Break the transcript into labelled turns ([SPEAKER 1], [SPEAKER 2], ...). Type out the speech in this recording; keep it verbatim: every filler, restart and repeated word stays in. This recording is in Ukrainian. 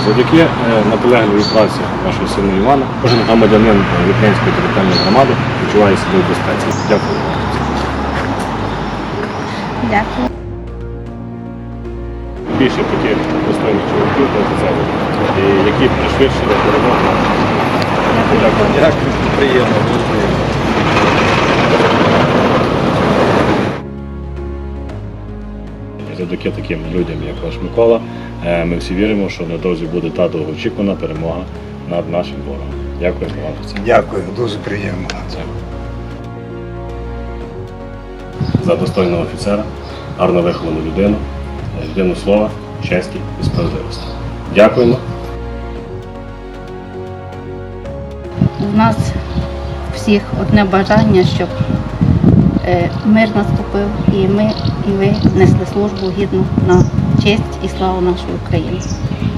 [SPEAKER 1] Завдяки е, наполегливій праці вашого сина Івана, кожен громадянин Віпнянської територіальної громади почуває себе в безпеці. Дякую вам.
[SPEAKER 2] Дякую.
[SPEAKER 1] Більше таких достойних чоловіків та офіцерів, які пришвидшили перемогу. Дякую.
[SPEAKER 3] Дякую, приємно, дуже приємно.
[SPEAKER 1] Завдяки таким людям, як ваш Микола, ми всі віримо, що невдовзі буде та довгоочікувана перемога над нашим ворогом. Дякую вам за це.
[SPEAKER 3] Дякую, дуже приємно.
[SPEAKER 1] За достойного офіцера, гарно виховану людину, людину слова, честі і справедливості. Дякуємо.
[SPEAKER 2] У нас всіх одне бажання, щоб е, мир наступив, і ми, і ви несли службу гідну на честь і славу нашої України.